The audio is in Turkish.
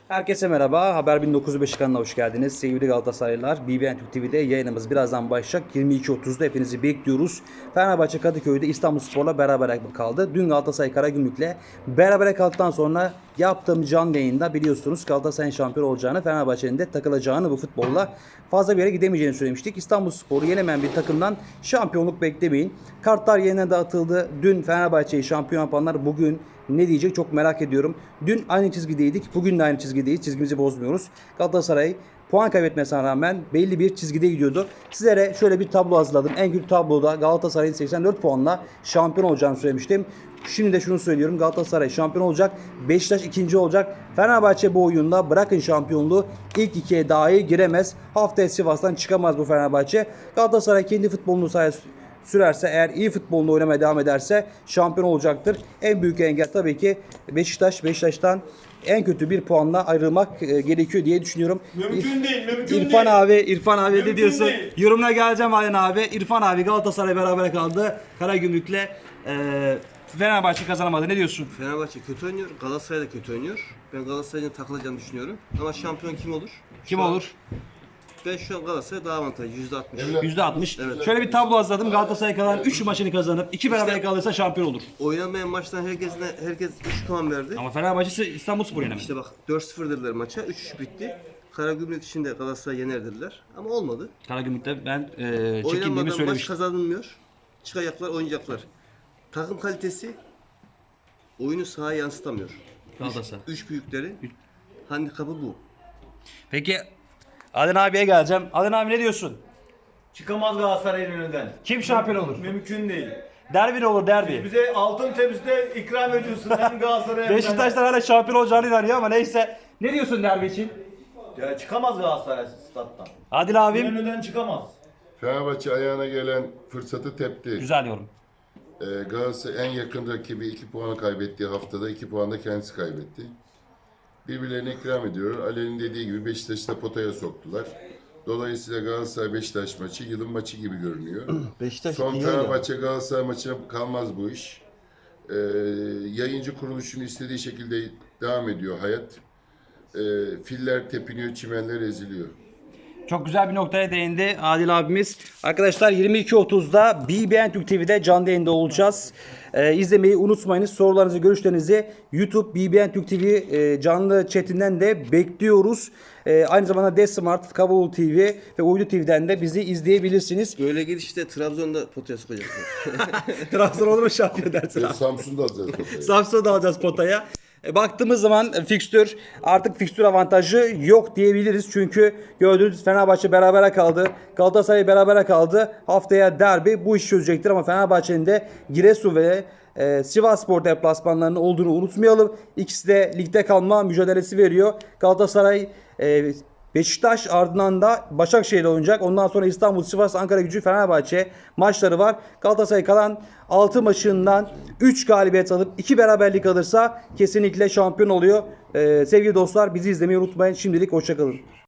Herkese merhaba. Haber 1905 kanalına hoş geldiniz. Sevgili Galatasaraylılar, BBN Türk TV'de yayınımız birazdan başlayacak. 22.30'da hepinizi bekliyoruz. Fenerbahçe Kadıköy'de İstanbulspor'la beraber kaldı. Dün Galatasaray Karagümrük'le berabere kaldıktan sonra yaptığım canlı yayında biliyorsunuz Galatasaray'ın şampiyon olacağını, Fenerbahçe'nin de takılacağını, bu futbolla fazla bir yere gidemeyeceğini söylemiştik. İstanbulspor'u yenemeyen bir takımdan şampiyonluk beklemeyin. Kartlar yeniden dağıtıldı. Dün Fenerbahçe'yi şampiyon yapanlar bugün ne diyecek çok merak ediyorum. Dün aynı çizgideydik. Bugün de aynı çizgideyiz. Çizgimizi bozmuyoruz. Galatasaray puan kaybetmesine rağmen belli bir çizgide gidiyordu. Sizlere şöyle bir tablo hazırladım. En kötü tabloda Galatasaray'ın 84 puanla şampiyon olacağını söylemiştim. Şimdi de şunu söylüyorum. Galatasaray şampiyon olacak. Beşiktaş ikinci olacak. Fenerbahçe bu oyunda bırakın şampiyonluğu ilk ikiye dahi giremez. Haftaya Sivas'tan çıkamaz bu Fenerbahçe. Galatasaray kendi futbolunu sürerse, eğer iyi futbolunu oynamaya devam ederse şampiyon olacaktır. En büyük engel tabii ki Beşiktaş. Beşiktaş'tan en kötü bir puanla ayrılmak gerekiyor diye düşünüyorum. Mümkün değil. İrfan abi Mümkün ne diyorsun? değil. Yorumuna geleceğim Ayhan abi. İrfan abi Galatasaray beraber kaldı. Karagümrük'le Fenerbahçe kazanamadı. Ne diyorsun? Fenerbahçe kötü oynuyor, Galatasaray da kötü oynuyor. Ben Galatasaray'ın takılacağını düşünüyorum. Ama şampiyon kim olur? Kim olur? Ben şu an Galatasaray daha avantajlı, %60. %60. Evet. Şöyle bir tablo hazırladım. Galatasaray kalan 3 maçını kazanıp 2 beraber kalırsa şampiyon olur. Oynanmayan maçtan herkes 3 puan verdi. Ama Fenerbahçe İstanbulspor yenemedi. İşte bak 4-0 dediler maça, 3-3 bitti. Karagümrük için de Galatasaray yener dediler. Ama olmadı. Karagümrük'te ben çekindiğimi Oynanmadan maç söylemiştim. kazanılmıyor. Çıkacaklar, oynayacaklar. Takım kalitesi oyunu sahaya yansıtamıyor. Galatasaray. 3 büyükleri handikapı bu. Peki Adem abiye geleceğim. Adem abi ne diyorsun? Çıkamaz Galatasaray'ın önünden. Kim şampiyon olur? Mümkün değil. Derbi ne olur derbi? Bize altın tepside ikram ediyorsun hem Galatasaray'a hem Beşiktaşlar hala şampiyon olacağını inanıyor ama neyse. Ne diyorsun derbi için? Ya çıkamaz Galatasaray stat'tan. Adil abim. Önünden çıkamaz. Fenerbahçe ayağına gelen fırsatı tepti. Güzel yorum. Galatasaray en yakın rakibi 2 puanı kaybettiği haftada 2 puan da kendisi kaybetti. Birbirlerine ikram ediyor. Ali'nin dediği gibi Beşiktaş'ı da potaya soktular. Dolayısıyla Galatasaray-Beşiktaş maçı yılın maçı gibi görünüyor. Beşiktaş Son iyi oynuyor. Fenerbahçe Galatasaray maçına kalmaz bu iş. Yayıncı kuruluşun istediği şekilde devam ediyor hayat. Filler tepiniyor, çimenler eziliyor. Çok güzel bir noktaya değindi Adil abimiz. Arkadaşlar 22.30'da BBN Türk TV'de canlı yayında olacağız. İzlemeyi unutmayınız. Sorularınızı, görüşlerinizi YouTube BBN Türk TV canlı chatinden de bekliyoruz. Aynı zamanda Desmart, Kabul TV ve Uydu TV'den de bizi izleyebilirsiniz. Böyle gidişte Trabzon'da potaya sokacaklar. Trabzon olur mu şampiyon dersin abi? Samsun'da alacağız potayı. Samsun'da alacağız potaya. Baktığımız zaman artık fikstür avantajı yok diyebiliriz. Çünkü gördüğünüz Fenerbahçe berabere kaldı. Galatasaray berabere kaldı. Haftaya derbi bu işi çözecektir ama Fenerbahçe'nin de Giresun ve Sivasspor deplasmanlarının olduğunu unutmayalım. İkisi de ligde kalma mücadelesi veriyor. Galatasaray Beşiktaş, ardından da Başakşehir'le oynayacak. Ondan sonra İstanbul, Sivas, Ankara-Gücü, Fenerbahçe maçları var. Galatasaray kalan 6 maçından 3 galibiyet alıp 2 beraberlik alırsa kesinlikle şampiyon oluyor. Sevgili dostlar, bizi izlemeyi unutmayın. Şimdilik hoşçakalın.